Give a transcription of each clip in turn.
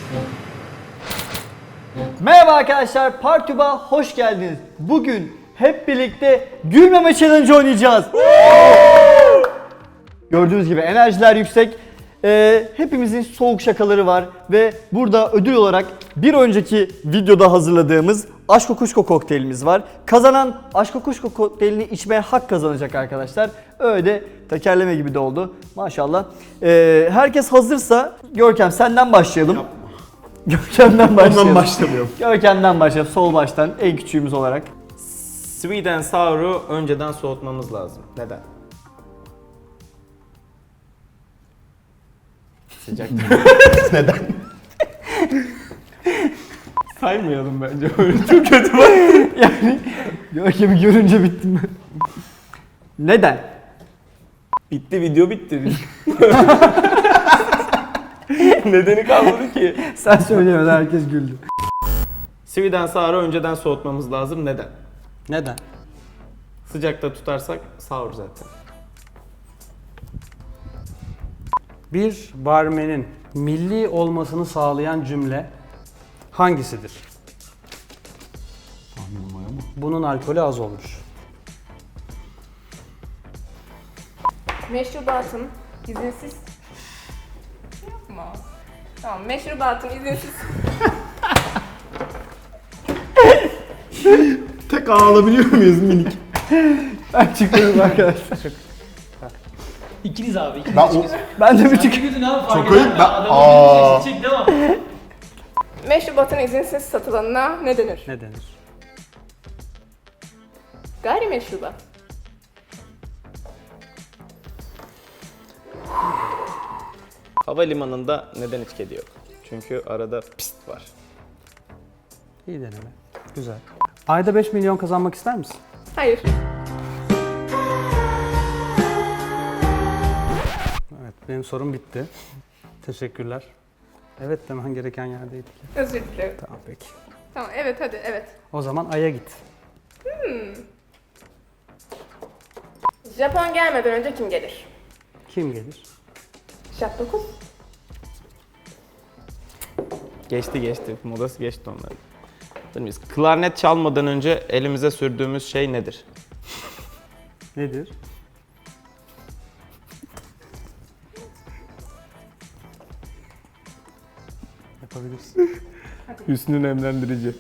Merhaba arkadaşlar, Partube'a hoş geldiniz. Bugün hep birlikte gülmeme challenge oynayacağız. Gördüğünüz gibi enerjiler yüksek. Hepimizin soğuk şakaları var ve burada ödül olarak bir önceki videoda hazırladığımız Aşk Kuşko kokteylimiz var. Kazanan Aşk Kuşko kokteylini içmeye hak kazanacak arkadaşlar. Öyle de tekerleme gibi de oldu maşallah. Herkes hazırsa Görkem senden başlayalım. Yapma. Görkem'den başlayalım. Ondan başlamıyorum. Görkem'den başlayalım sol baştan en küçüğümüz olarak. Sweet and sour'u önceden soğutmamız lazım. Neden? Sıcak. Neden? Saymayalım bence. Öyle çok kötü bak. Yani Görkem'i görünce bittim ben. Neden? Bitti, video bitti. Nedeni kalmadı ki. Sen söyleyemedin, herkes güldü. Sweet and sour'u önceden soğutmamız lazım. Neden? Neden? Sıcakta tutarsak sour zaten. Bir barmenin milli olmasını sağlayan cümle hangisidir? Bunun alkolü az olmuş. Meşrubatın izinsiz... Yapma. Tamam, meşrubatın izinsiz... Tek alabiliyor muyuz minik? Ben çıkıyorum arkadaşlar. İkiniz abi. İkiniz Ben o... Ben de bir Sen çık. de güldün abi fark Çok ayıp, eder mi? ben- Adamın gülmesi. Çek devam. Meşrubatın izinsiz satılanına ne denir? Ne denir? Gayrimeşrubat. Havalimanında neden hiç kedi yok? Çünkü arada pist var. İyi deneme. Güzel. Ayda 5 milyon kazanmak ister misin? Hayır. Evet, benim sorum bitti. Teşekkürler. Evet demen gereken yerdeydik. Özür dilerim. Tamam peki. Tamam, evet hadi, evet. O zaman Ay'a git. Japon gelmeden önce kim gelir? Kim gelir? Jap 9. Geçti. Modası geçti onların. Biz klarnet çalmadan önce elimize sürdüğümüz şey nedir? Nedir? Yapabilirsin. Hüsnü nemlendirici.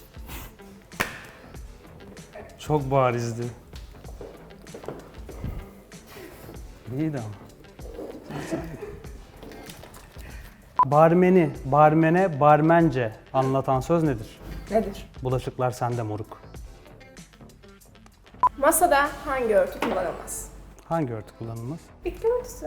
Çok barizdi. İyiydi ama. Barmeni, barmene, barmence anlatan söz nedir? Nedir? Bulaşıklar sende moruk. Masada hangi örtü kullanılmaz? Hangi örtü kullanılmaz? Bitki örtüsü.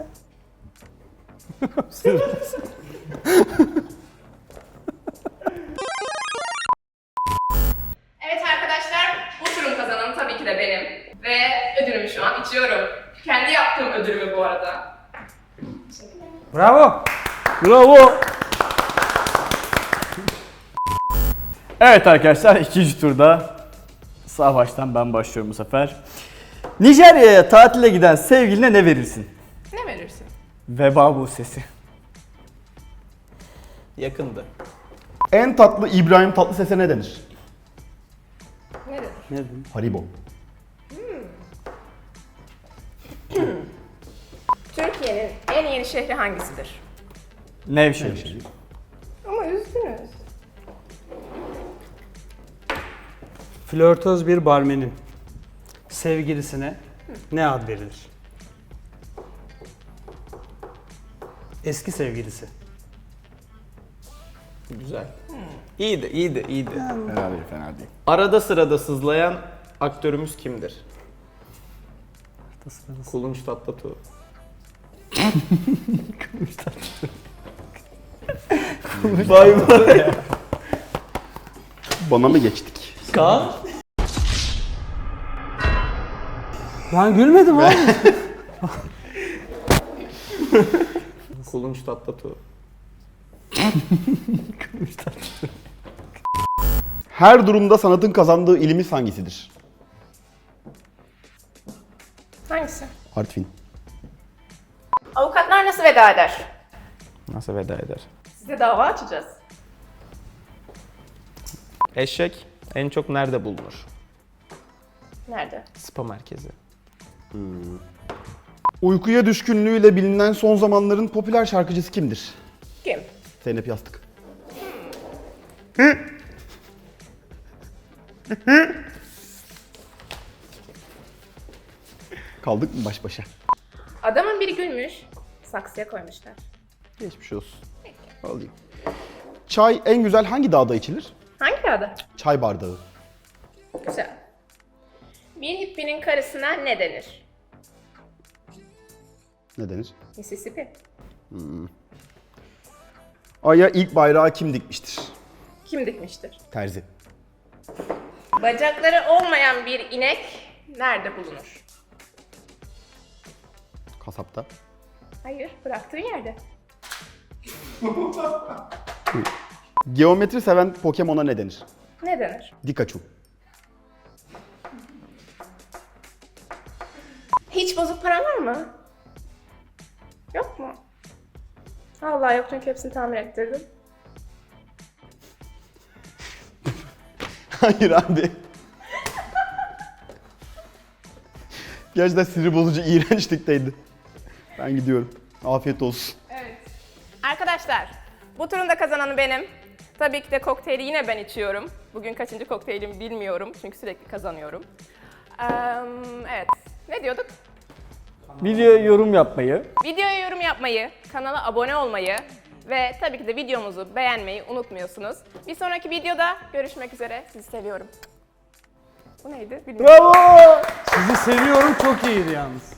Evet arkadaşlar, bu turun kazananı tabii ki de benim. Ve ödülümü şu an içiyorum. Kendi yaptığım ödülümü bu arada. Bravo! Bravo. Evet arkadaşlar, ikinci turda sağ baştan ben başlıyorum bu sefer. Nijerya'ya tatile giden sevgiline ne verirsin? Ne verirsin? Veba bu sesi. Yakındı. En tatlı İbrahim Tatlıses'e ne denir? Ne denir? Ne dedin? Haribo. Türkiye'nin en yeni şehri hangisidir? Nevşehir. Ama üzdünüz. Flörtöz bir barmenin sevgilisine ne ad verilir? Eski sevgilisi. Güzel. İyiydi. Fena değil. Arada sırada sızlayan aktörümüz kimdir? Kulunç Tatlıtuğ. Vay vay. Bana mı geçtik? Kaan. Ben gülmedim abi. Kulunç Tatlıtuğ. Her durumda sanatın kazandığı ilimiz hangisidir? Hangisi? Artvin. Avukatlar nasıl veda eder? Nasıl veda eder? Size dava açacağız. Eşek en çok nerede bulunur? Nerede? Spa merkezi. Uykuya düşkünlüğüyle bilinen son zamanların popüler şarkıcısı kimdir? Kim? Zeynep Yastık. Kaldık mı baş başa? Adamın biri gülmüş. Saksıya koymuşlar. Geçmiş olsun. Alayım. Çay en güzel hangi dağda içilir? Hangi adı? Çay bardağı. Güzel. Bir hippinin karısına ne denir? Ne denir? Mississippi. Ay'a ilk bayrağı kim dikmiştir? Kim dikmiştir? Terzi. Bacakları olmayan bir inek nerede bulunur? Kasapta. Hayır, bıraktığın yerde. Geometri seven Pokemon'a ne denir? Ne denir? Pikachu. Hiç bozuk paran var mı? Yok mu? Vallahi yok çünkü hepsini tamir ettirdim. Hayır abi. Gerçekten sinir bozucu, iğrençlikteydi. Ben gidiyorum. Afiyet olsun. Evet. Arkadaşlar, bu turun da kazananı benim. Tabii ki de kokteyli yine ben içiyorum. Bugün kaçıncı kokteylim bilmiyorum çünkü sürekli kazanıyorum. Evet, ne diyorduk? Videoya yorum yapmayı, Videoya yorum yapmayı, kanala abone olmayı ve tabii ki de videomuzu beğenmeyi unutmuyorsunuz. Bir sonraki videoda görüşmek üzere. Sizi seviyorum. Bu neydi? Bilmiyorum. bravo! Sizi seviyorum, çok iyiydi yalnız.